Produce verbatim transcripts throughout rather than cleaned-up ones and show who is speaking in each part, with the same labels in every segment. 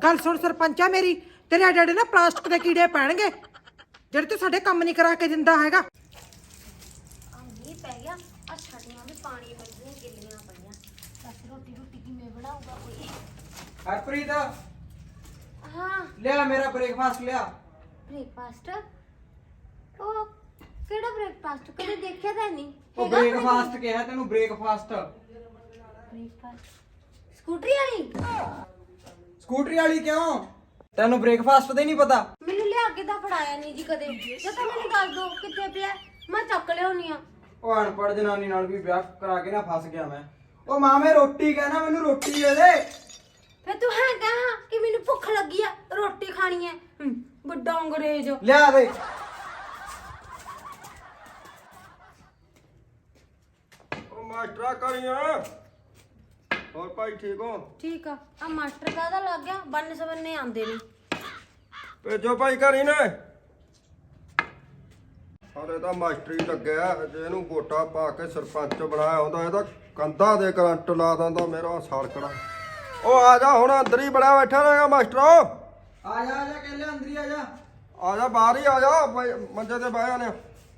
Speaker 1: गल सुन सरपंचा मेरी, तेरे डैडी ना प्लास्टिक के कीड़े पैणगे ਜਿਹੜੇ ਤੂੰ ਸਾਡੇ ਕੰਮ ਨਹੀਂ ਕਰਾ ਕੇ ਦਿੰਦਾ ਹੈਗਾ।
Speaker 2: ਆ ਮੀਂਹ ਪੈ ਗਿਆ, ਆ ਛੱਡੀਆਂ ਵੀ ਪਾਣੀ ਵਰਗੀਆਂ ਗਿੱਲੀਆਂ ਪਈਆਂ। ਬਸ ਰੋਟੀ ਰੋਟੀ ਕਿਵੇਂ ਬਣਾਊਗਾ ਕੋਈ?
Speaker 3: ਹਰਪ੍ਰੀਤ
Speaker 2: ਹਾਂ
Speaker 3: ਲਿਆ ਮੇਰਾ ਬ੍ਰੇਕਫਾਸਟ ਲਿਆ।
Speaker 2: ਬ੍ਰੇਕਫਾਸਟ? ਉਹ ਕਿਹੜਾ ਬ੍ਰੇਕਫਾਸਟ? ਕਦੇ ਦੇਖਿਆ ਤਾਂ ਨਹੀਂ।
Speaker 3: ਉਹ ਬ੍ਰੇਕਫਾਸਟ ਕਿਹਾ ਤੈਨੂੰ, ਬ੍ਰੇਕਫਾਸਟ।
Speaker 2: ਬ੍ਰੇਕਫਾਸਟ ਸਕੂਟਰੀ ਵਾਲੀ?
Speaker 3: ਸਕੂਟਰੀ ਵਾਲੀ ਕਿਉਂ? ਤੈਨੂੰ ਬ੍ਰੇਕਫਾਸਟ ਦਾ ਹੀ ਨਹੀਂ ਪਤਾ?
Speaker 2: ਮੈਨੂੰ ਲਿਆ ਕੇ ਤਾਂ ਫੜਾਇਆ ਨਹੀਂ ਜੀ ਕਦੇ। ਜੇ ਤਾਂ ਮੈਨੂੰ ਦੱਸ ਦੋ ਕਿੱਥੇ ਪਿਆ, ਮੈਂ ਚੱਕ ਲਿਆਉਣੀ ਆ।
Speaker 3: ਉਹ ਅਨਪੜ੍ਹ ਜਨਾਨੀ ਨਾਲ ਵੀ ਵਿਆਹ ਕਰਾ ਕੇ ਨਾ ਫਸ ਗਿਆ ਮੈਂ। ਉਹ ਮਾਮੇ ਰੋਟੀ ਕਹਿਣਾ, ਮੈਨੂੰ ਰੋਟੀ ਦੇ ਦੇ।
Speaker 2: ਫੇ ਤੂੰ ਹੈ ਕਹਾਂ ਕਿ ਮੈਨੂੰ ਭੁੱਖ ਲੱਗੀ ਆ, ਰੋਟੀ ਖਾਣੀ ਹੈ। ਹਮ, ਵੱਡਾ ਅੰਗਰੇਜ਼।
Speaker 3: ਲਿਆ ਦੇ।
Speaker 4: ਉਹ ਮਾਸਟਰਾ ਕਰੀਆਂ ਹੋਰ ਭਾਈ ਠੀਕ ਹੋ?
Speaker 2: ਠੀਕ ਆ। ਆ ਮਾਸਟਰ ਕਾਹਦਾ ਲੱਗ ਗਿਆ? ਬੰਨ ਸਬੰਨੇ ਆਉਂਦੇ ਨੇ।
Speaker 4: ਭੇਜੋ ਭਾਈ ਕਰੀ ਨੇ। ਸਾਰੇ ਤਾਂ ਮਾਸਟਰੀ ਲੱਗਿਆ, ਜੇ ਇਹਨੂੰ ਵੋਟਾਂ ਪਾ ਕੇ ਸਰਪੰਚ ਬਣਾਇਆ ਹੁੰਦਾ ਇਹਦਾ ਕੰਧਾਂ ਦੇ ਕਰੰਟ ਲਾ ਦਿੰਦਾ ਮੇਰਾ ਸਾਰਕੜਾ। ਉਹ ਆ ਜਾ ਹੁਣ, ਅੰਦਰ ਹੀ ਬੜਾ ਬੈਠਾ ਰਹੇਗਾ ਮਾਸਟਰੋ।
Speaker 3: ਆ ਜਾ ਆ ਜਾ ਕਹਿ ਲਿਆ, ਅੰਦਰ ਹੀ ਆ ਜਾ।
Speaker 4: ਆ ਜਾ ਬਾਹਰ ਹੀ ਆ ਜਾ, ਭਾਈ ਮੰਜੇ ਤੇ ਬਹਿ ਜਾਨੇ।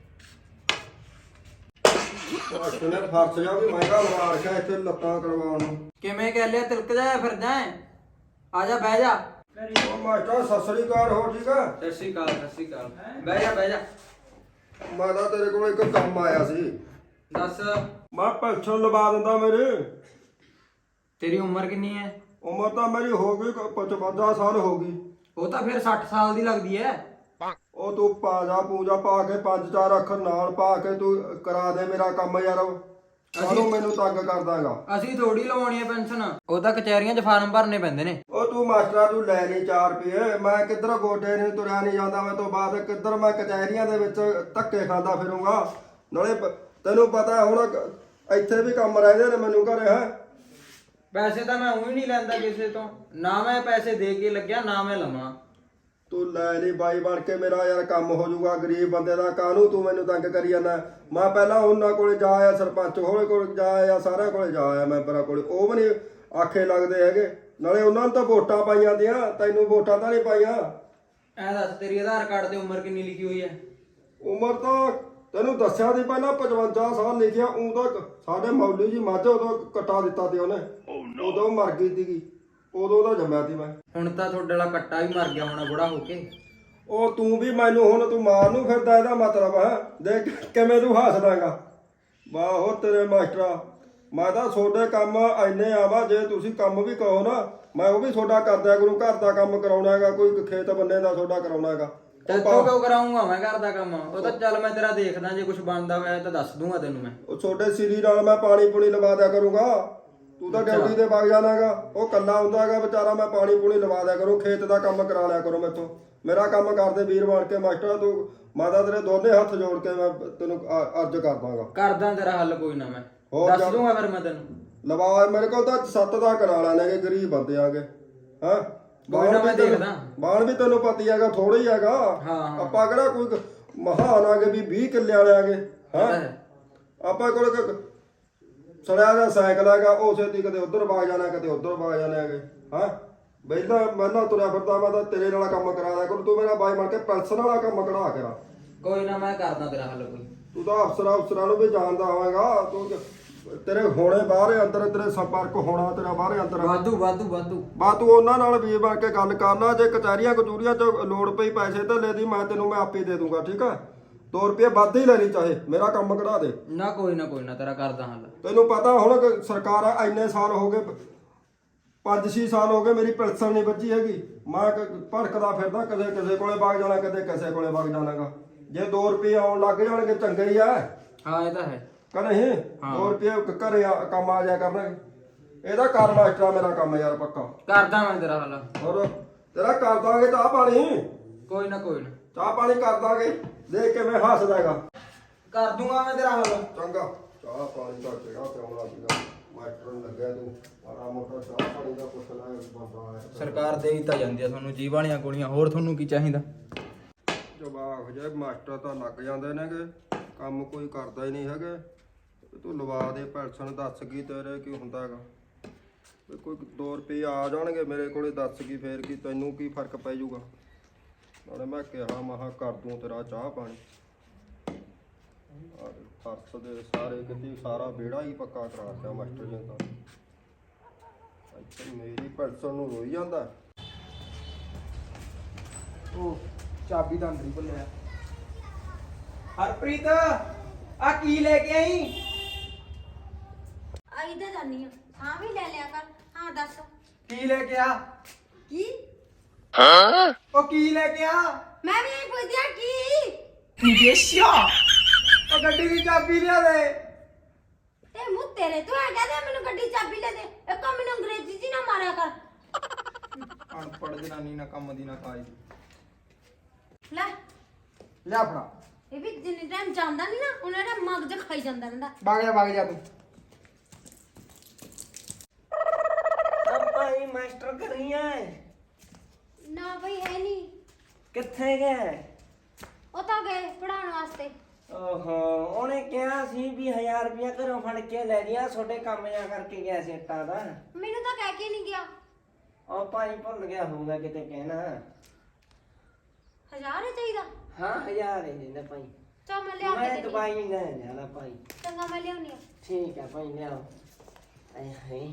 Speaker 4: ਮਾਸਟਰ ਨੇ ਫਰਸ਼ ਜਾ ਵੀ ਮਹਿੰਗਾ ਲਵਾ ਰੱਖਿਆ ਇੱਥੇ ਲੱਤਾਂ ਕਰਵਾਉਣ ਨੂੰ।
Speaker 3: ਕਿਵੇਂ ਕਹਿ ਲਿਆ, ਤਿਲਕ ਜਾਇਆ ਫਿਰਦਾ ਹੈ? ਆ ਜਾ ਬਹਿ ਜਾ।
Speaker 4: ਉਹ ਮਾਸਟਰ ਸਤਿ ਸ੍ਰੀ ਅਕਾਲ, ਹੋ ਠੀਕ ਆ?
Speaker 3: ਸਤਿ ਸ਼੍ਰੀ ਅਕਾਲ, ਸਤਿ ਸ਼੍ਰੀ ਅਕਾਲ। ਬਹਿ ਜਾ ਬਹਿ ਜਾ।
Speaker 4: ਮੈਂ ਤਾਂ ਤੇਰੇ ਕੋਲ ਇੱਕ ਕੰਮ ਆਇਆ ਸੀ।
Speaker 3: ਦੱਸ।
Speaker 4: ਮੈਂ ਪੈਨਸ਼ਨ ਲਵਾ ਦਿੰਦਾ ਮੇਰੀ।
Speaker 3: ਤੇਰੀ ਉਮਰ ਕਿੰਨੀ ਹੈ?
Speaker 4: ਉਮਰ ਤਾਂ ਮੇਰੀ ਹੋ ਗਈ ਪਚਵੰਜਾ ਸਾਲ ਹੋ ਗਈ।
Speaker 3: ਉਹ ਤਾਂ ਫਿਰ ਸੱਠ ਸਾਲ ਦੀ ਲੱਗਦੀ ਹੈ।
Speaker 4: ਉਹ ਤੂੰ ਪਾਜਾ ਪੂਜਾ ਪਾ ਕੇ ਪੰਜ ਚਾਰ ਅੱਖਰ ਨਾਲ ਪਾ ਕੇ ਤੂੰ ਕਰਾ ਦੇ ਮੇਰਾ ਕੰਮ ਯਾਰ। ਸਾਨੂੰ ਮੈਨੂੰ ਤੰਗ ਕਰਦਾਗਾ।
Speaker 3: ਅਸੀਂ ਥੋੜੀ ਲਵਾਉਣੀ ਹੈ ਪੈਨਸ਼ਨ, ਉਹ ਤਾਂ ਕਚਹਿਰੀਆਂ 'ਚ ਫਾਰਮ ਭਰਨੇ ਪੈਂਦੇ ਨੇ।
Speaker 4: ਉਹ ਤੂੰ ਮਾਸਟਰਾ ਤੂੰ ਲੈ ਨਹੀਂ ਚਾਰ ਰੁਪਏ। ਮੈਂ ਕਿੱਧਰ ਗੋਡੇ ਨਹੀਂ ਤੁਰਿਆ ਨਹੀਂ ਜਾਂਦਾ, ਮੈਂ ਤੋਂ ਬਾਅਦ ਕਿੱਧਰ ਮੈਂ ਕਚਹਿਰੀਆਂ ਦੇ ਵਿੱਚ ਧੱਕੇ ਖਾਂਦਾ ਫਿਰੂੰਗਾ। ਨਾਲੇ ਪ- ਤੈਨੂੰ ਪਤਾ ਹੁਣ ਇੱਥੇ ਵੀ ਕੰਮ ਰਹਿੰਦੇ ਨੇ ਮੈਨੂੰ ਘਰੇ। ਹੈ
Speaker 3: ਪੈਸੇ ਤਾਂ ਮੈਂ ਉਹੀ ਨਹੀਂ ਲੈਂਦਾ ਕਿਸੇ ਤੋਂ, ਨਾ ਮੈਂ ਪੈਸੇ ਦੇ ਕੇ ਲੱਗਿਆ ਨਾ ਮੈਂ ਲਵਾਂ।
Speaker 4: ਤੂੰ ਲੈ ਲਈ ਬਾਈ ਬਣ ਕੇ, ਮੇਰਾ ਯਾਰ ਕੰਮ ਹੋ ਜਾਊਗਾ। ਗਰੀਬ ਬੰਦੇ ਦਾ ਕਾਹਨੂੰ ਤੂੰ ਮੈਨੂੰ ਤੰਗ ਕਰੀ ਜਾਂਦਾ? ਮੈਂ ਪਹਿਲਾਂ ਉਹਨਾਂ ਕੋਲੇ ਜਾ ਆਇਆ, ਸਰਪੰਚ ਹੋਲੇ ਕੋਲ ਜਾ ਆਇਆ, ਸਾਰਿਆਂ ਕੋਲੇ ਜਾ ਆਇਆ, ਮੈਂਬਰਾਂ ਕੋਲੇ। ਉਹ ਵੀ ਨਹੀਂ ਆਖੇ ਲੱਗਦੇ ਹੈਗੇ। ਨਾਲੇ ਉਹਨਾਂ ਨੂੰ ਤਾਂ ਵੋਟਾਂ ਪਾਈਆਂ ਦੀਆਂ, ਤੈਨੂੰ ਵੋਟਾਂ ਤਾਂ ਨਹੀਂ ਪਾਈਆਂ।
Speaker 3: ਐ ਦੱਸ, ਤੇਰੀ ਆਧਾਰ ਕਾਰਡ ਤੇ ਉਮਰ ਕਿੰਨੀ ਲਿਖੀ ਹੋਈ ਹੈ?
Speaker 4: ਉਮਰ ਤਾਂ ਤੈਨੂੰ ਦੱਸਿਆ ਸੀ ਪਹਿਲਾਂ ਪਚਵੰਜਾ ਸਾਲ ਲਿਖਿਆ। ਉਹ ਤਾਂ ਸਾਡੇ ਮੌਲਵੀ ਜੀ ਮੱਝ ਉਦੋਂ ਕੱਟਾ ਦਿੱਤਾ ਤੇ ਉਹਨੇ, ਉਦੋਂ ਮਰ ਗਈ ਸੀਗੀ, ਉਦੋਂ ਦਾ ਜੰਮਿਆ ਸੀ ਮੈਂ।
Speaker 3: ਹੁਣ ਤਾਂ ਤੁਹਾਡੇ ਵਾਲਾ ਕੱਟਾ ਵੀ ਮਰ ਗਿਆ ਹੋਣਾ ਬੁੜਾ ਹੋ ਕੇ।
Speaker 4: ਉਹ ਤੂੰ ਵੀ ਮੈਨੂੰ ਹੁਣ ਤੂੰ ਮਾਰ ਨੂੰ ਫਿਰਦਾ, ਇਹਦਾ ਮਤਲਬ ਹੈ। ਦੇਖ ਕਿਵੇਂ ਤੂੰ ਹੱਸਦਾਗਾ। ਵਾਹ ਹੋ ਤੇਰੇ ਮਾਸਟਰਾ, ਮੈਂ ਤਾਂ ਤੁਹਾਡੇ ਕੰਮ ਐਨੇ ਆਵਾ, ਜੇ ਤੁਸੀਂ ਕੰਮ ਵੀ ਕਹੋ ਨਾ ਮੈਂ ਉਹ ਵੀ ਤੁਹਾਡਾ ਕਰਦਿਆ ਕਰੂੰ। ਘਰ ਦਾ ਕੰਮ ਕਰਾਉਣਾ ਹੈਗਾ, ਕੋਈ ਖੇਤ ਬੰਨੇ ਦਾ ਤੁਹਾਡਾ ਕਰਾਉਣਾ ਹੈਗਾ।
Speaker 3: ਤੈਥੋਂ ਕਿਉਂ ਕਰਾਉਂਗਾ ਮੈਂ ਘਰ ਦਾ ਕੰਮ? ਉਹ ਤਾਂ ਚੱਲ ਮੈਂ ਤੇਰਾ ਦੇਖਦਾ, ਜੇ ਕੁਝ ਬਣਦਾ ਹੋਇਆ ਤਾਂ ਦੱਸ ਦੂੰਗਾ ਤੈਨੂੰ ਮੈਂ।
Speaker 4: ਉਹ ਛੋਟੇ ਸਿਰੀ ਨਾਲ ਮੈਂ ਪਾਣੀ ਪੂਣੀ ਲਵਾ ਦਿਆ ਕਰੂੰਗਾ। ਤੂੰ ਤਾਂ ਡਿਊਟੀ ਤੇ ਵਗ ਜਾਣਾਗਾ, ਉਹ ਕੱਲਾ ਹੁੰਦਾ ਹੈਗਾ ਵਿਚਾਰਾ। ਮੈਂ ਪਾਣੀ ਪੂਣੀ ਲਵਾ ਦਿਆ ਕਰੂੰ, ਖੇਤ ਦਾ ਕੰਮ ਕਰਾ ਲਿਆ ਕਰੋ ਮੈਥੋਂ। ਮੇਰਾ ਕੰਮ ਕਰਦੇ ਵੀਰ ਬਣ ਕੇ ਮਾਸਟਰ। ਤੂੰ ਮਾਤਾ ਤੇਰੇ ਦੋਨੇ ਹੱਥ ਜੋੜ ਕੇ ਮੈਂ ਤੈਨੂੰ ਅ- ਅਰਜ਼ ਕਰਦਾਗਾ।
Speaker 3: ਕਰਦਾ ਤੇਰਾ ਹੱਲ ਕੋਈ ਨਾ, ਮੈਂ
Speaker 4: ਹੋਰ
Speaker 3: ਦੱਸ
Speaker 4: ਚੱਲ।
Speaker 3: ਦੂੰਗਾ ਫਿਰ ਮੈਂ ਤੈਨੂੰ।
Speaker 4: ਲਵਾ ਮੇਰੇ ਕੋਲ ਤਾਂ ਸੱਤ ਦਾ ਕਰਾ ਲੈਣਗੇ, ਗਰੀਬ ਬੰਦੇ ਆਗੇ। ਹਾਂ
Speaker 3: ਕੋਈ ਨਾ, ਮੈਂ ਦੇਖਦਾ।
Speaker 4: ਬਾਣ ਵੀ ਤੈਨੂੰ ਪਤੀ ਹੈਗਾ, ਥੋੜਾ ਹੀ ਹੈਗਾ।
Speaker 3: ਹਾਂ ਹਾਂ
Speaker 4: ਆਪਾਂ ਕਿਹੜਾ ਕੋਈ ਮਹਾਨ ਆਗੇ ਵੀ ਵੀਹ ਕਿੱਲੇ ਵਾਲੇ ਆਗੇ। ਹਾਂ
Speaker 3: ਪਤਾ ਹੈ।
Speaker 4: ਆਪਾਂ ਕੋਲ ਇੱਕ ਸੜਿਆ ਦਾ ਸਾਈਕਲ ਹੈਗਾ, ਉਸੇ ਦੀ ਕਦੇ ਉਧਰ ਵਗ ਜਾਣਾ ਕਦੇ ਉਧਰ ਵਗ ਜਾਣਾ ਹੈਗੇ। ਹਾਂ ਪਹਿਲਾਂ ਪਹਿਲਾਂ ਤੁਰਿਆ ਫਿਰਦਾ ਮੈਂ ਤਾਂ ਤੇਰੇ ਨਾਲ ਕੰਮ ਕਰਾ ਦਿਆ ਕਰ। ਤੂੰ ਮੇਰਾ ਬਾਈ ਬਣ ਕੇ ਪੈਨਸ਼ਨ ਵਾਲਾ ਕੰਮ ਕਢਾ ਕੇ ਰਾ।
Speaker 3: ਕੋਈ ਨਾ, ਮੈਂ ਕਰਦਾ ਤੇਰਾ ਹੱਲ ਕੋਈ।
Speaker 4: ਤੂੰ ਤਾਂ ਅਫਸਰਾਂ ਅਫਸਰਾਂ ਨੂੰ ਵੀ ਜਾਣਦਾ ਹੋਵੇਗਾ। ਤੂੰ ਤੇਰੇ ਹੋਣੇ ਬਾਹਰ ਅੰਦਰ, ਤੇਰੇ ਸੰਪਰਕ ਹੋਣਾ ਤੇਰਾ ਬਾਹਰ ਅੰਦਰ।
Speaker 3: ਵਾਧੂ ਵਾਧੂ ਵਾਧੂ।
Speaker 4: ਬਾ ਤੂੰ ਉਹਨਾਂ ਨਾਲ ਵੀਰ ਬਣ ਕੇ ਗੱਲ ਕਰ ਲਾ। ਜੇ ਕਚਹਿਰੀਆਂ ਕਚੂਰੀਆਂ 'ਚ ਲੋੜ ਪਈ ਪੈਸੇ ਧੇਲੇ ਦੀ, ਮੈਂ ਤੈਨੂੰ ਮੈਂ ਆਪੇ ਦੇ ਦੂੰਗਾ। ਠੀਕ ਆ, ਦੋ ਰੁਪਏ ਵੱਧ ਹੀ ਲੈਣੀ ਚਾਹੇ, ਮੇਰਾ ਕੰਮ ਕਢਾ ਦੇ।
Speaker 3: ਨਾ ਕੋਈ ਨਾ ਕੋਈ ਨਾ, ਤੇਰਾ ਕਰਦਾ ਹੱਲ।
Speaker 4: ਤੈਨੂੰ ਪਤਾ ਹੁਣ ਕਿ ਸਰਕਾਰ ਇੰਨੇ ਸਾਲ ਹੋ ਗਏ, ਪੰਜ ਛੇ ਸਾਲ ਹੋ ਗਏ ਮੇਰੀ ਪੈਨਸ਼ਨ ਨਹੀਂ ਬੱਚੀ ਹੈਗੀ। ਮੈਂ ਕ- ਭੜਕਦਾ ਫਿਰਦਾ, ਕਦੇ ਕਿਸੇ ਕੋਲੇ ਵਗ ਜਾਣਾ, ਕਦੇ ਕਿਸੇ ਕੋਲੇ ਵਗ ਜਾਣਾਗਾ। ਜੇ ਦੋ ਰੁਪਏ ਆਉਣ ਲੱਗ ਜਾਣਗੇ ਚੰਗੇ ਹੀ ਆ।
Speaker 3: ਹਾਂ ਇਹ ਤਾਂ ਹੈ।
Speaker 4: ਕਹੇ ਦੋ ਰੁਪਏ ਘਰੇ ਆ- ਕੰਮ ਆ ਜਾਇਆ ਕਰਨਗੇ। ਇਹਦਾ ਕਰ ਮਾਸਟਰਾ ਮੇਰਾ ਕੰਮ ਯਾਰ ਪੱਕਾ।
Speaker 3: ਕਰਦਾ ਮੈਂ ਤੇਰਾ ਹੱਲ।
Speaker 4: ਹੋਰ ਤੇਰਾ ਕਰ ਦਾਂਗੇ ਚਾਹ ਪਾਣੀ।
Speaker 3: ਕੋਈ ਨਾ ਕੋਈ ਨਾ,
Speaker 4: ਚਾਹ ਪਾਣੀ ਕਰ ਦਾਂਗੇ। ਦੇਖ ਕਿਵੇਂ ਹੱਸਦਾ ਹੈਗਾ।
Speaker 3: ਕਰ ਦੂੰਗਾ ਮੈਂ ਤੇਰਾ ਹੱਲ।
Speaker 4: ਚੰਗਾ ਚਾਹ ਪਾਣੀ ਦਾ ਕਿਹੜਾ ਪਿਆਉਣਾ ਸੀਗਾ। ਮਾਸਟਰ ਨੂੰ ਲੱਗਿਆ ਤੂੰ ਮਾੜਾ ਮੋਟਾ ਚਾਹ ਪਾਣੀ ਦਾ ਪੁੱਛ ਲੈ ਬੰਦਾ ਆਇਆ।
Speaker 3: ਸਰਕਾਰ ਦੇ ਹੀ ਤਾਂ ਜਾਂਦੀ ਆ ਤੁਹਾਨੂੰ ਜੀਵ ਵਾਲੀਆਂ ਗੋਲੀਆਂ, ਹੋਰ ਤੁਹਾਨੂੰ ਕੀ ਚਾਹੀਦਾ?
Speaker 4: ਜਵਾਬ ਜੇ ਮਾਸਟਰ ਤਾਂ ਲੱਗ ਜਾਂਦੇ ਨੇਗੇ, ਕੰਮ ਕੋਈ ਕਰਦਾ ਹੀ ਨਹੀਂ ਹੈਗੇ। ਤੂੰ ਲਵਾ ਦੇ ਪੈਨਸ਼ਨ, ਦੱਸ ਕੀ ਤੇਰੇ ਕੀ ਹੁੰਦਾ ਹੈਗਾ। ਵੀ ਕੋਈ ਦੋ ਰੁਪਏ ਆ ਜਾਣਗੇ ਮੇਰੇ ਕੋਲੇ, ਦੱਸ ਕੀ ਫੇਰ ਕੀ ਤੈਨੂੰ ਕੀ ਫਰਕ ਪੈ ਜਾਊਗਾ। ਨਾਲੇ ਮੈਂ ਕਿਹਾ ਮਹਾ ਕਰ ਦੂੰ ਤੇਰਾ ਚਾਹ ਪਾਣੀ। ਆਹ ਫਰਸ਼ ਦੇ ਸਾਰੇ ਕਿਤੇ ਸਾਰਾ ਵਿਹੜਾ ਹੀ ਪੱਕਾ ਕਰਾ ਦਿੱਤਾ ਮਾਸਟਰ ਜੀ ਤਾਂ। ਇੱਥੇ ਮੇਰੀ ਪੈਨਸ਼ਨ ਨੂੰ ਰੋਈ ਜਾਂਦਾ।
Speaker 3: ਉਹ ਚਾਬੀ ਤਾਂ ਅੰਦਰ ਹੀ ਭੁੱਲਿਆ। ਹਰਪ੍ਰੀਤ ਆ ਕੀ ਲੈ ਕੇ ਆਈ?
Speaker 2: ਆਈ ਤਾਂ ਜਾਨੀ ਆ। ਹਾਂ ਵੀ ਲੈ ਲਿਆ ਕਰ। ਹਾਂ ਦੱਸ
Speaker 3: ਕੀ ਲੈ ਕੇ ਆ?
Speaker 2: ਕੀ?
Speaker 3: ਉਹ ਕੀ ਲੈ ਕੇ ਆ?
Speaker 2: ਮੈਂ ਵੀ ਨਹੀਂ ਪੁੱਛਿਆ ਕੀ।
Speaker 3: ਉਹ ਗੱਡੀ ਦੀ ਚਾਬੀ ਲਿਆ ਦੇ।
Speaker 2: ਤੇ ਮੂੰਹ ਤੇਰੇ ਤੋਂ ਆ ਗਿਆ ਤੇ ਮੈਨੂੰ ਗੱਡੀ ਚਾਬੀ ਲੈ ਦੇ। ਇਹ ਕੰਮ ਮੈਨੂੰ ਅੰਗਰੇਜ਼ੀ ਚ ਨਾ ਮਾਰਿਆ ਕਰ।
Speaker 3: ਅਨਪੜ੍ਹ ਜਨਾਨੀ ਨਾ ਕੰਮ ਦੀ ਨਾ ਕਾਜ ਦੀ।
Speaker 2: ਲੈ
Speaker 3: ਲਿਆ ਫੜਾ।
Speaker 2: ਇਹ ਵੀ ਜਿੰਨੇ ਟਾਈਮ ਜਾਂਦਾ ਨਹੀਂ ਨਾ ਉਹਨਾਂ ਦਾ ਮਗਜ ਖਾਈ ਜਾਂਦਾ ਰਹਿੰਦਾ।
Speaker 3: ਵਗ ਜਾ ਵਗ ਜਾ ਤੂੰ।
Speaker 5: ਭਾਈ ਮਾਸਟਰ ਕਰੀਆਂ
Speaker 2: ਨਾ ਬਈ ਹੈ ਨਹੀਂ।
Speaker 5: ਕਿੱਥੇ ਗਏ?
Speaker 2: ਉਹ ਤਾਂ ਗਏ ਪੜਾਉਣ ਵਾਸਤੇ।
Speaker 5: ਓਹੋ ਉਹਨੇ ਕਿਹਾ ਸੀ ਵੀ ਹਜ਼ਾਰ ਰੁਪਇਆ ਘਰੋਂ ਫੜ ਕੇ ਲੈ ਲਿਆ, ਛੋਟੇ ਕੰਮ ਜਾ ਕਰਕੇ ਗਿਆ ਸੀ ਇੱਟਾਂ ਦਾ।
Speaker 2: ਮੈਨੂੰ ਤਾਂ ਕਹਿ ਕੇ ਨਹੀਂ ਗਿਆ।
Speaker 5: ਉਹ ਭਾਈ ਭੁੱਲ ਗਿਆ ਹੋਊਗਾ ਕਿਤੇ ਕਹਿਣਾ।
Speaker 2: ਹਜ਼ਾਰ ਹੀ ਚਾਹੀਦਾ।
Speaker 5: ਹਾਂ ਹਜ਼ਾਰ ਹੀ ਦਿੰਦਾ ਭਾਈ।
Speaker 2: ਚਾ ਮੈਂ ਲਿਆ ਕੇ
Speaker 5: ਮੈਂ
Speaker 2: ਦੇ
Speaker 5: ਦਵਾਈ ਲੈ ਜਾਣਾ ਭਾਈ।
Speaker 2: ਚੰਗਾ ਮੈਂ ਲਿਆਉਣੀ ਆ।
Speaker 5: ਠੀਕ ਹੈ ਭਾਈ ਲਿਆਓ। ਆਏ ਹਾਏ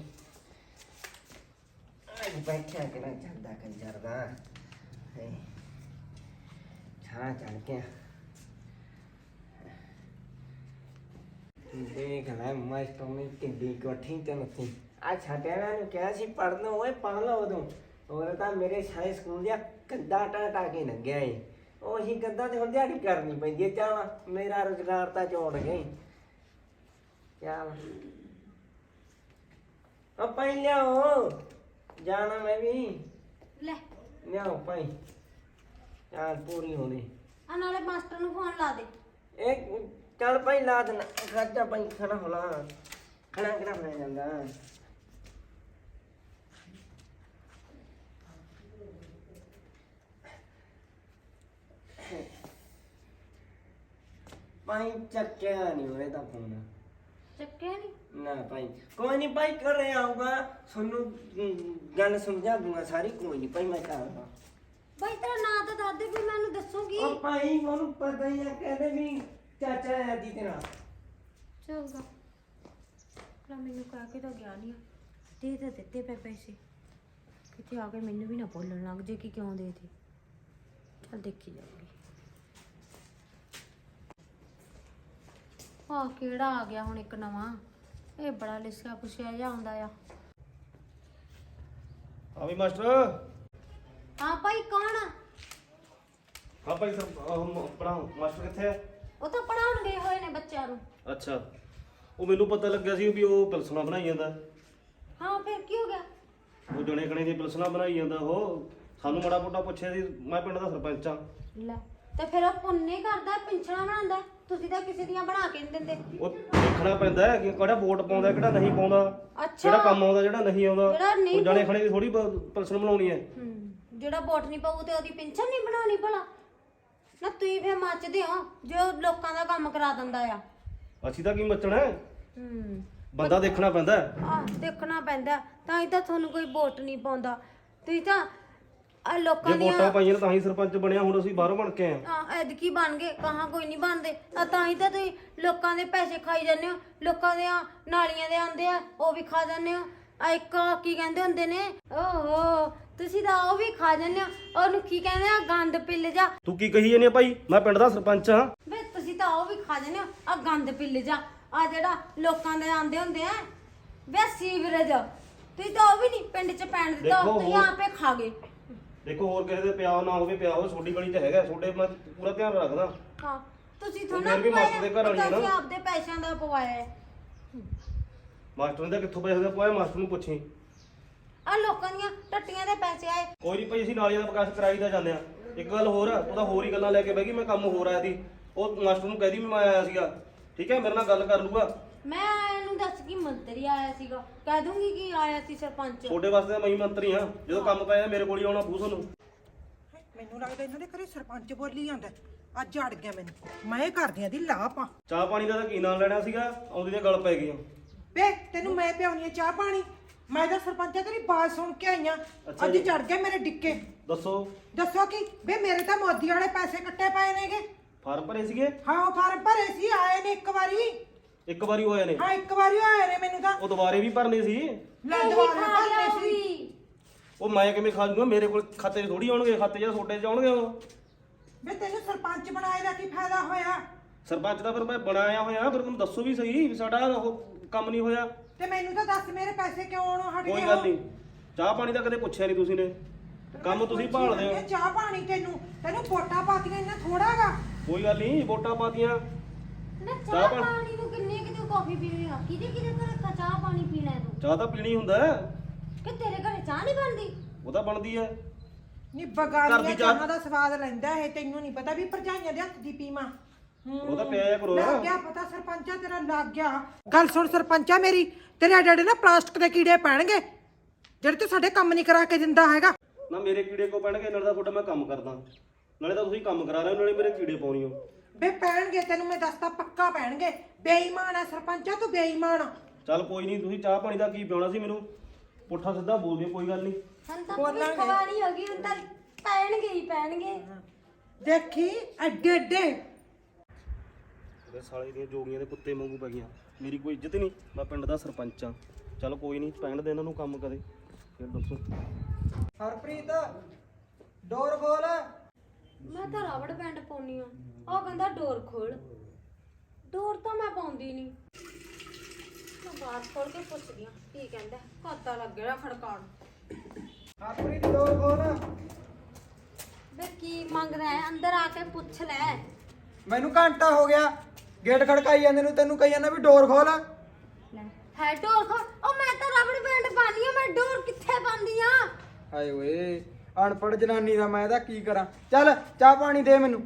Speaker 5: ਅੱਜ ਬੈਠਿਆ ਕਿ ਨਾ ਜਾਂਦਾ ਕੰਜਰ ਦਾ ਹੈ ਛਾਂ ਚੜ ਕੇ ਦੇਖ ਲੈ ਮਾਸਟਰ ਨੇ ਕਿੱਡੀ ਕੋਠੀ ਤੇ ਨੱਥੀ ਆ ਛਾਟਿਆਂ ਨੂੰ ਕਿਹਾ ਸੀ ਪੜ੍ਹਨ ਓਏ ਪੜ੍ਹ ਲਓ ਉਦੋਂ ਹੋਰ ਤਾਂ ਮੇਰੇ ਸਾਰੇ ਸਕੂਲ ਦਾ ਕੰਦਾ ਟਾਟਾ ਕੇ ਲੰਘਿਆ ਏ ਉਹੀ ਗੱਦਾ ਤੇ ਹੁਣ ਦਿਹਾੜੀ ਕਰਨੀ ਪੈਂਦੀ ਹੈ। ਚੱਲ ਮੇਰਾ ਰੁਜ਼ਗਾਰ ਤਾਂ ਚੋੜ ਗਈ। ਚੱਲ ਉਹ ਭਾਈ ਲਿਆਓ ਜਾਣਾ ਮੈਂ ਵੀ
Speaker 2: ਲੈ
Speaker 5: ਲਿਆਓ ਭਾਈ ਯਾਰ ਪੂਰੀ ਹੋਣੀ।
Speaker 2: ਆ ਨਾਲੇ ਮਾਸਟਰ ਨੂੰ ਫੋਨ ਲਾ ਦੇ।
Speaker 5: ਇਹ ਚੱਲ ਭਾਈ ਲਾ ਦੇਣਾ ਖਰਚਾ ਭਾਈ ਖੜਾ ਹੋਲਾ ਖੜਾ ਕਿਹੜਾ ਹੋਇਆ ਜਾਂਦਾ। ਭਾਈ ਚੱਕਿਆ ਨਹੀਂ ਹੋਇਆ ਤਾਂ ਫੋਨ
Speaker 2: ਚੱਕਿਆ ਨਹੀਂ।
Speaker 5: ਨਾ ਭਾਈ ਕੋਈ ਨਹੀਂ ਭਾਈ ਘਰੇ ਆਊਗਾ ਤੁਹਾਨੂੰ ਅਮ, ਗੱਲ ਸਮਝਾ ਦੂੰਗਾ ਸਾਰੀ। ਕੋਈ ਨਹੀਂ ਭਾਈ ਮੈਂ ਕਰਾਂਗਾ।
Speaker 2: ਬਾਈ ਤੇਰਾ ਨਾਂ ਤਾਂ ਦੱਸ ਦੇ ਵੀ ਮੈਨੂੰ ਦੱਸੂਗੀ।
Speaker 5: ਉਹ ਭਾਈ ਉਹਨੂੰ ਪਤਾ ਹੀ ਆ ਕਹਿੰਦੇ ਵੀ ਚਾਚਾ ਹੈ ਦੀ ਤੇਰਾ।
Speaker 2: ਚੰਗਾ ਲਾ ਮੈਨੂੰ ਕਹਿ ਕੇ ਤਾਂ ਗਿਆ ਨਹੀਂ। ਦੇ ਤਾਂ ਦਿੱਤੇ ਪਏ ਪੈਸੇ ਕਿਤੇ ਆ ਕੇ ਮੈਨੂੰ ਵੀ ਨਾ ਬੋਲਣ ਲੱਗ ਜੇ ਕਿ ਕਿਉਂ ਦੇ ਦੇ। ਚੱਲ ਦੇਖੀ ਜਾਊਗੀ। ਆਹ ਕਿਹੜਾ ਆ ਗਿਆ ਹੁਣ ਇੱਕ ਨਵਾਂ। ਇਹ ਬੜਾ ਲਿਸਿਆ ਪੁੱਛਿਆ ਜਿਹਾ ਆਉਂਦਾ ਆ।
Speaker 6: ਹਾਂ ਵੀ ਮਾਸਟਰ।
Speaker 2: ਹਾਂ ਭਾਈ ਕੌਣ ਆ?
Speaker 6: ਹਾਂ ਭਾਈ ਸਰ ਪੜਾਉ ਮਾਸਟਰ ਕਿੱਥੇ ਹੈ?
Speaker 2: ਉਹ ਤਾਂ ਪੜਾਉਣ ਗਏ ਹੋਏ ਨੇ ਬੱਚਿਆਂ ਨੂੰ।
Speaker 6: ਅੱਛਾ ਉਹ ਮੈਨੂੰ ਪਤਾ ਲੱਗਿਆ ਸੀ ਵੀ ਉਹ ਪਿਲਸਣਾ ਬਣਾਈ ਜਾਂਦਾ।
Speaker 2: ਹਾਂ ਫਿਰ ਕੀ ਹੋ ਗਿਆ?
Speaker 6: ਉਹ ਜਣੇ ਖਣੇ ਦੀ ਪਿਲਸਣਾ ਬਣਾਈ ਜਾਂਦਾ। ਉਹ ਸਾਨੂੰ ਮਾੜਾ ਮੋਟਾ ਪੁੱਛਿਆ ਸੀ। ਮੈਂ ਪਿੰਡ ਦਾ ਸਰਪੰਚ ਆ।
Speaker 2: ਲੈ ਤੇ ਫਿਰ ਉਹ ਪੁੰਨੇ ਕਰਦਾ ਪਿੰਛਣਾ ਬਣਾਉਂਦਾ। ਤੁਸੀਂ ਤਾਂ ਕਿਸੇ ਦੀਆਂ ਬਣਾ ਕੇ ਨਹੀਂ ਦਿੰਦੇ।
Speaker 6: ਉਹ ਦੇਖਣਾ ਪੈਂਦਾ ਹੈ ਕਿ ਕਿਹੜਾ ਵੋਟ ਪਾਉਂਦਾ ਕਿਹੜਾ ਨਹੀਂ ਪਾਉਂਦਾ,
Speaker 2: ਅੱਛਾ
Speaker 6: ਕਿਹੜਾ ਕੰਮ ਆਉਂਦਾ ਜਿਹੜਾ ਨਹੀਂ ਆਉਂਦਾ।
Speaker 2: ਜਿਹੜਾ ਨਹੀਂ
Speaker 6: ਉਹ ਜਣੇ ਖਣੇ ਦੀ ਥੋੜੀ ਪਿਲਸਣ ਬਣਾਉਣੀ ਹੈ।
Speaker 2: ਹੂੰ ਜਿਹੜਾ ਵੋਟ ਨਹੀਂ ਪਾਊ ਤੇ ਉਹਦੀ ਪਿੰਛਣ ਨਹੀਂ ਬਣਾਉਣੀ ਭਲਾ। ਨਾ ਤੁਸੀਂ ਫਿਰ ਮੱਚਦੇ ਹੋ ਜੋ ਲੋਕਾਂ ਦਾ ਕੰਮ ਕਰਾ ਦਿੰਦਾ ਆ।
Speaker 6: ਅਸੀਂ ਤਾਂ ਕੀ ਮੱਚਣਾ ਹੈ?
Speaker 2: ਹੂੰ
Speaker 6: ਬੰਦਾ ਦੇਖਣਾ ਪੈਂਦਾ ਹੈ।
Speaker 2: ਆ ਦੇਖਣਾ ਪੈਂਦਾ ਤਾਂ ਹੀ ਤਾਂ ਤੁਹਾਨੂੰ ਕੋਈ ਵੋਟ ਨਹੀਂ ਪਾਉਂਦਾ। ਤੁਸੀਂ ਤਾਂ ਆ ਲੋਕਾਂ
Speaker 6: ਜੇ
Speaker 2: ਦੀਆਂ
Speaker 6: ਵੋਟਾਂ ਪਾਈਆਂ ਤਾਂ ਹੀ ਸਰਪੰਚ ਬਣਿਆ। ਹੁਣ ਅਸੀਂ ਬਾਹਰੋਂ ਬਣ ਕੇ ਆਏ ਹਾਂ।
Speaker 2: ਆ ਐਦਕੀ ਬਣ ਗਏ ਕਹਾਂ ਕੋਈ ਨਹੀਂ ਬਣਦੇ। ਆ ਤਾਂ ਹੀ ਤਾਂ ਤੁਸੀਂ ਲੋਕਾਂ ਦੇ ਪੈਸੇ ਖਾਈ ਜਾਂਦੇ ਹੋ। ਲੋਕਾਂ ਦੇ ਨਾਲੀਆਂ ਦੇ ਆਉਂਦੇ ਆ ਉਹ ਵੀ ਖਾ ਜਾਂਦੇ ਹੋ। ਆ ਇੱਕ ਕੀ ਕਹਿੰਦੇ ਹੁੰਦੇ ਨੇ ਓਹੋ ਤੁਸੀਂ ਤਾਂ ਉਹ ਵੀ ਖਾ ਜਾਂਦੇ ਹੋ। ਉਹਨੂੰ ਕੀ ਕਹਿੰਦੇ ਆ ਗੰਦ ਪਿੱਲ ਜਾ।
Speaker 6: ਤੂੰ ਕੀ ਕਹੀ ਜਾਂਦੀ ਆ ਭਾਈ? ਮੈਂ ਪਿੰਡ ਦਾ ਸਰਪੰਚ ਹਾਂ।
Speaker 2: ਵੇ ਤੁਸੀਂ ਤਾਂ ਉਹ ਵੀ ਖਾ ਜਾਂਦੇ ਹੋ ਆ ਗੰਦ ਪਿੱਲ ਜਾ। ਆ ਜਿਹੜਾ ਲੋਕਾਂ ਦੇ ਆਂਦੇ ਹੁੰਦੇ ਆ ਵੇ ਸੀਵਰੇਜ ਤੁਸੀਂ ਤਾਂ ਉਹ ਵੀ ਨਹੀਂ ਪਿੰਡ 'ਚ ਪੈਣ ਦਿੱਤਾ।
Speaker 6: ਦੇਖੋ
Speaker 2: ਤੁਸੀਂ
Speaker 6: ਹੋਰ-
Speaker 2: ਆਪੇ ਖਾ ਗਏ।
Speaker 6: ਦੇਖੋ ਹੋਰ ਕਿਸੇ ਦੇ ਪਿਆ ਨਾ ਹੋਵੇ, ਪਿਆ ਹੋਵੇ ਛੋਟੀ ਗਲੀ 'ਚ ਹੈਗਾ। ਛੋਡੇ ਮੈਂ ਪੂਰਾ ਧਿਆਨ ਰੱਖਦਾ।
Speaker 2: ਹਾਂ ਤੁਸੀਂ
Speaker 6: ਉਹ
Speaker 2: ਥੋੜਾ
Speaker 6: ਫਿਰ ਵੀ ਮਾਸਟਰ ਦੇ ਘਰ ਵਾਲੀ ਆ ਨਾ।
Speaker 2: ਤੁਸੀਂ ਆਪਦੇ ਪੈਸਿਆਂ ਦਾ ਪਵਾਇਆ ਹੈ।
Speaker 6: ਮਾਸਟਰ ਨੇ ਤਾਂ ਕਿੱਥੋਂ ਪੈਸੇ ਦਾ ਪਾਇਆ? ਮਾਸਟਰ ਨੂੰ ਪੁੱਛੀ।
Speaker 2: ਆ ਲੋਕਾਂ ਦੀਆਂ ਟੱਟੀਆਂ ਦੇ ਪੈਸੇ ਆਏ।
Speaker 6: ਕੋਈ ਨਹੀਂ ਭਾਈ ਅਸੀਂ ਨਾਲੀਆਂ ਦਾ ਵਿਕਾਸ ਕਰਾਈ ਦਾ ਜਾਂਦੇ ਆ। ਇੱਕ ਗੱਲ ਹੋਰ ਆ, ਉਹਦਾ ਹੋਰ ਹੀ ਗੱਲਾਂ ਲੈ ਕੇ ਬਹਿ ਗਈ। ਮੈਂ ਕੰਮ ਹੋਰ ਆਇਆ ਸੀ। ਉਹ ਮਾਸਟਰ ਨੂੰ ਕਹਿ ਦੀ ਵੀ ਮੈਂ ਆਇਆ ਸੀਗਾ। ਠੀਕ ਹੈ ਮੇਰੇ ਨਾਲ ਗੱਲ ਕਰ ਲੂਗਾ।
Speaker 2: ਮੈਂ ਇਹਨੂੰ ਦੱਸ ਕੀ ਮੰਤਰੀ ਆਇਆ ਸੀਗਾ। ਕਹਿ ਦੂੰਗੀ ਕਿ ਆਇਆ ਸੀ ਸਰਪੰਚ।
Speaker 6: ਛੋਡੇ ਵਾਸਤੇ ਤਾਂ ਮੈਂ ਹੀ ਮੰਤਰੀ ਹਾਂ। ਜਦੋਂ ਕੰਮ ਪਿਆ ਮੇਰੇ ਕੋਲ ਹੀ ਆਉਣਾ ਪਊ ਤੁਹਾਨੂੰ।
Speaker 1: ਮੈਨੂੰ ਲੱਗਦਾ ਇਹਨਾਂ ਦੇ ਘਰੇ ਸਰਪੰਚ ਬੋਲੀ ਜਾਂਦਾ। ਅੱਜ ਅੜ ਗਿਆ ਮੈਨੂੰ। ਮੈਂ ਇਹ ਕਰਦੀਆਂ ਦੀ ਲਾਪਾਂ।
Speaker 6: ਚਾਹ ਪਾਣੀ ਦਾ ਤਾਂ ਕੀ ਨਾਂ ਲੈਣਾ ਸੀਗਾ? ਆਉਂਦੀ ਤੇ ਗੱਲ ਪੈ ਗਈ ਆ।
Speaker 1: ਵੇ ਤੈਨੂੰ ਮੈਂ ਪਿਆਉਣੀ ਆ ਚਾਹ ਪਾਣੀ। ਮੈਂ ਤਾਂ ਸਰਪੰਚਾ ਤੇਰੀ ਬਾਤ ਸੁਣ ਕੇ ਆਈਆਂ
Speaker 6: ਅੱਛਾ
Speaker 1: ਅੱਜ
Speaker 6: ਜੀ।
Speaker 1: ਚੜ ਗਏ ਮੇਰੇ ਡਿੱਕੇ।
Speaker 6: ਦੱਸੋ
Speaker 1: ਦੱਸੋ ਕੀ ਵੇ ਮੇਰੇ ਤਾਂ ਮੋਦੀ ਵਾਲੇ ਪੈਸੇ ਕੱਟੇ ਪਏ ਨੇਗੇ।
Speaker 6: ਫਾਰਮ ਭਰੇ ਸੀਗੇ?
Speaker 1: ਹਾਂ ਉਹ ਫਾਰਮ ਭਰੇ ਸੀ, ਆਏ ਨੇ ਇੱਕ ਵਾਰੀ।
Speaker 6: ਇੱਕ ਵਾਰੀ ਹੋਏ ਨੇ?
Speaker 1: ਹਾਂ ਇੱਕ ਵਾਰੀ ਆਏ ਨੇ ਮੈਨੂੰ ਤਾਂ।
Speaker 6: ਉਹ ਦੁਬਾਰੇ ਵੀ ਭਰਨੇ ਸੀ।
Speaker 1: ਲੈ
Speaker 2: ਇਹੀ
Speaker 1: ਦੁਬਾਰਾ
Speaker 2: ਖਾ ਗਿਆ
Speaker 1: ਭਰਨੇ
Speaker 2: ਉਹ
Speaker 1: ਸੀ।
Speaker 2: ਵੀ।
Speaker 6: ਉਹ ਮੈਂ ਕਿਵੇਂ ਖਾ ਜੂਗਾ? ਮੇਰੇ ਕੋਲ ਖਾਤੇ 'ਚ ਥੋੜੀ ਆਉਣਗੇ, ਖਾਤੇ 'ਚ ਤੁਹਾਡੇ 'ਚ ਆਉਣਗੇ ਉਹ।
Speaker 1: ਵੇ ਤੈਨੂੰ ਸਰਪੰਚ ਬਣਾਏ ਦਾ ਕੀ ਫਾਇਦਾ ਹੋਇਆ?
Speaker 6: ਸਰਪੰਚ ਦਾ ਫਿਰ ਮੈਂ ਬਣਾਇਆ ਹੋਇਆ, ਫਿਰ ਮੈਨੂੰ ਦੱਸੋ ਵੀ ਸਹੀ ਵੀ ਸਾਡਾ ਉਹ ਕੰਮ ਨਹੀਂ ਹੋਇਆ।
Speaker 1: ਤੇ ਮੈਨੂੰ ਤਾਂ ਦੱਸ ਮੇਰੇ ਪੈਸੇ ਕਿਉਂ ਆਉਣੋਂ ਹਟ ਗਏ?
Speaker 6: ਕੋਈ ਗੱਲ ਨਹੀਂ, ਚਾਹ ਪਾਣੀ ਤਾਂ ਕਦੇ ਪੁੱਛਿਆ ਨਹੀਂ ਤੁਸੀਂ ਨੇ, ਕੰਮ ਤੁਸੀਂ ਭਾਲਦੇ ਹੋ।
Speaker 1: ਚਾਹ ਪਾਣੀ ਤੈਨੂੰ ਤੈਨੂੰ ਵੋਟਾਂ ਪਾਤੀਆਂ ਇੰਨਾ ਥੋੜਾਗਾ।
Speaker 6: ਕੋਈ ਗੱਲ ਨਹੀਂ, ਵੋਟਾਂ ਪਾਤੀਆਂ।
Speaker 2: ਨਾ
Speaker 6: ਚਾਹ
Speaker 2: ਚਾਹ
Speaker 6: ਪਾਣੀ-
Speaker 2: ਪਾਣੀ ਨੂੰ ਕਿੰਨੇ ਕਿਤੇ ਕਾਫੀ ਪੀਣੀ ਆ? ਕਿਹਦੇ ਕਿਹਦੇ ਘਰ ਕਾ ਚਾਹ ਪਾਣੀ ਪੀਣਾ ਹੈ ਤੂੰ?
Speaker 6: ਚਾਹ ਤਾਂ ਪੀਣੀ ਹੁੰਦਾ ਹੈ,
Speaker 2: ਕਿ ਤੇਰੇ ਘਰੇ ਚਾਹ ਨਹੀਂ ਬਣਦੀ?
Speaker 6: ਉਹ ਤਾਂ ਬਣਦੀ ਹੈ।
Speaker 1: ਨੀ
Speaker 6: ਘਰ
Speaker 1: ਬਗਾਨੀਆਂ
Speaker 6: ਦੀ ਚਾਹ-
Speaker 1: ਚਾਹਾਂ ਦਾ ਸਵਾਦ ਲੈਂਦਾ ਇਹ, ਤੈਨੂੰ ਨਹੀਂ ਪਤਾ ਵੀ ਭਰਜਾਈਆਂ ਦੇ ਹੱਥ ਦੀ ਪੀਵਾਂ। ਹੂੰ।
Speaker 6: ਉਹ ਤਾਂ ਪਿਆ ਕਰੋ।
Speaker 1: ਲੱਗ ਗਿਆ ਪਤਾ ਸਰਪੰਚਾ ਤੇਰਾ, ਲੱਗ ਗਿਆ। ਗੱਲ ਸੁਣ ਸਰਪੰਚਾ ਮੇਰੀ, ਤੇਰੇ ਡੈਡੀ ਨਾ ਪਲਾਸਟਿਕ ਦੇ ਕੀੜੇ ਪੈਣਗੇ ਜਿਹੜੇ ਤੂੰ ਸਾਡੇ ਕੰਮ ਨਹੀਂ ਕਰਾ ਕੇ ਦਿੰਦਾ ਹੈਗਾ।
Speaker 6: ਨਾ ਮੇਰੇ ਕੀੜੇ ਕੋ ਪੈਣਗੇ, ਨਾਲੇ ਤਾਂ ਤੁਹਾਡਾ ਮੈਂ ਕੰਮ ਕਰਦਾ, ਨਾਲੇ ਤਾਂ ਤੁਸੀਂ ਕੰਮ ਕਰਾ ਰਹੇ ਹੋ, ਨਾਲੇ ਮੇਰੇ ਕੀੜੇ ਪਾਉਣੀ ਹੋ।
Speaker 1: ਬੇ ਪੈਣਗੇ, ਤੈਨੂੰ ਮੈਂ ਦੱਸਦਾ ਪੱਕਾ ਪੈਣਗੇ। ਬੇਈਮਾਨ ਆ ਸਰਪੰਚਾ ਤੂੰ, ਬੇਈਮਾਨ ਆ।
Speaker 6: ਚੱਲ ਕੋਈ ਨਹੀਂ, ਤੁਸੀਂ ਚਾਹ ਪਾਣੀ ਦਾ ਕੀ ਪਿਆਉਣਾ ਸੀ ਮੈਨੂੰ, ਪੁੱਠਾ ਸਿੱਧਾ ਬੋਲ ਦਿਓ, ਕੋਈ ਗੱਲ ਨਹੀਂ।
Speaker 2: ਹੁਣ ਤਾਂ
Speaker 1: ਬੋਲਾਂਗੇ।
Speaker 2: ਭਵਿੱਖਬਾਣੀ ਹੋ ਗਈ, ਹੁਣ ਤਾਂ ਪੈਣਗੇ ਹੀ ਪੈਣਗੇ।
Speaker 1: ਦੇਖੀ ਐਡੇ ਐਡੇ
Speaker 6: ਮੇਰੇ ਸਾਲੇ ਦੀਆਂ ਜੋਗੀਆਂ ਦੇ ਕੁੱਤੇ ਵਾਂਗੂ ਪੈ ਗਈਆਂ, ਮੇਰੀ ਕੋਈ ਇੱਜ਼ਤ ਹੀ ਨਹੀਂ। ਮੈਂ ਪਿੰਡ ਦਾ ਸਰਪੰਚ ਆ। ਚੱਲ ਕੋਈ ਨਹੀਂ, ਪੈਣ ਦੇ ਇਹਨਾਂ ਨੂੰ ਕੰਮ ਕਦੇ, ਫਿਰ ਦੱਸੋ।
Speaker 3: ਹਰਪ੍ਰੀਤ ਡੋਰ ਖੋਲ।
Speaker 2: ਮੈਂ ਤਾਂ ਰਬੜ ਬੈਂਡ ਪਾਉਣੀ ਆ, ਉਹ ਕਹਿੰਦਾ ਡੋਰ ਖੋਲ। ਡੋਰ ਤਾਂ ਮੈਂ ਪਾਉਂਦੀ ਨਹੀਂ। ਮੈਂ ਬਾਹਰ ਖੋਲ ਕੇ ਪੁੱਛਦੀ ਆ ਕੀ ਕਹਿੰਦਾ, ਕੱਦਾ ਲੱਗਿਆ ਖੜਕਾਉਣ।
Speaker 3: ਹਰਪ੍ਰੀਤ ਡੋਰ ਖੋਲ।
Speaker 2: ਵੇ ਕੀ ਮੰਗਦਾ ਹੈ? ਅੰਦਰ ਆ ਕੇ ਪੁੱਛ ਲੈ।
Speaker 3: ਮੈਨੂੰ ਘੰਟਾ ਹੋ ਗਿਆ ਗੇਟ ਖੜਕਾਈ ਜਾਂਦੇ ਨੂੰ, ਤੈਨੂੰ ਕਹੀ ਜਾਂਦਾ ਵੀ ਡੋਰ ਖੋਲ।
Speaker 2: ਲੈ ਹੈ ਡੋਰ ਖੋਲ। ਉਹ ਮੈਂ ਤਾਂ ਰਬੜ ਬੈਂਡ ਪਾਣੀ ਆ, ਮੈਂ ਡੋਰ ਕਿੱਥੇ ਪਾਉਂਦੀ ਆ?
Speaker 3: ਹਾਏ ਓਏ ਅਨਪੜ੍ਹ ਜਨਾਨੀ ਦਾ ਮੈਂ ਇਹਦਾ ਕੀ ਕਰਾਂ। ਚੱਲ ਚਾਹ ਪਾਣੀ ਦੇ ਮੈਨੂੰ।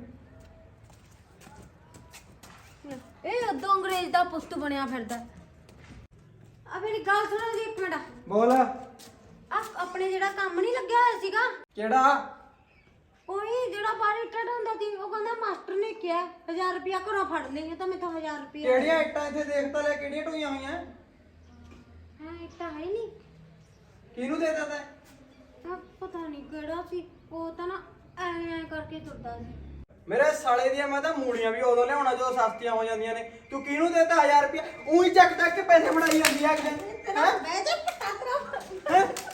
Speaker 2: ਇਹ ਉਦੋਂ ਅੰਗਰੇਜ਼ ਦਾ ਪੁੱਤ ਬਣਿਆ ਫਿਰਦਾ। ਆ ਮੇਰੀ ਗੱਲ ਸੁਣੋ ਜੀ ਇੱਕ ਮਿੰਟ।
Speaker 3: ਬੋਲ।
Speaker 2: ਆ ਆਪਣੇ ਜਿਹੜਾ ਕੰਮ ਨਹੀਂ ਲੱਗਿਆ ਹੋਇਆ ਸੀਗਾ,
Speaker 3: ਕਿਹੜਾ?
Speaker 2: ਕੋਈ ਜਿਹੜਾ ਬਾਹਰ ਇੱਟਾਂ ਹੁੰਦਾ ਸੀ, ਉਹ ਕਹਿੰਦਾ ਮਾਸਟਰ ਨੇ ਕਿਹਾ ਹਜ਼ਾਰ ਰੁਪਇਆ ਘਰੋਂ ਫੜ ਲਈਏ, ਤਾਂ ਮੈਥੋਂ ਹਜ਼ਾਰ ਰੁਪਇਆ।
Speaker 3: ਕਿਹੜੀਆਂ ਇੱਟਾਂ ਇੱਥੇ ਦੇਖ ਤਾਂ ਲੈ, ਕਿਹੜੀਆਂ ਢੋਈਆਂ ਹੋਈਆਂ?
Speaker 2: ਹਾਂ ਇੱਟਾਂ ਹੈ ਨਹੀਂ।
Speaker 3: ਕਿਹਨੂੰ ਦੇ ਦਿੱਤਾ ਤੈਂ?
Speaker 2: ਆ ਪਤਾ ਨਹੀਂ ਕਿਹੜਾ ਸੀ, ਉਹ ਤਾਂ ਨਾ ਐ ਐ ਕਰਕੇ ਤੁਰਦਾ ਸੀ।
Speaker 3: ਮੇਰੇ ਸਾਲੇ ਦੀਆਂ ਮੈਂ ਤਾਂ ਮੂਲੀਆਂ ਵੀ ਉਦੋਂ ਲਿਆਉਣਾ ਜਦੋਂ ਸਸਤੀਆਂ ਹੋ ਜਾਂਦੀਆਂ ਨੇ। ਤੂੰ ਕਿਹਨੂੰ ਦੇਤਾ ਹਜ਼ਾਰ ਰੁਪਇਆ? ਉਹੀ ਚੱਕ ਚੱਕ ਕੇ ਪੈਸੇ ਬਣਾਈ ਜਾਂਦੀ ਆ।
Speaker 2: ਤੇਰਾ ਬਹਿ ਜਾ ਪਟਾ ਤੇਰਾ।
Speaker 3: ਹੈਂ?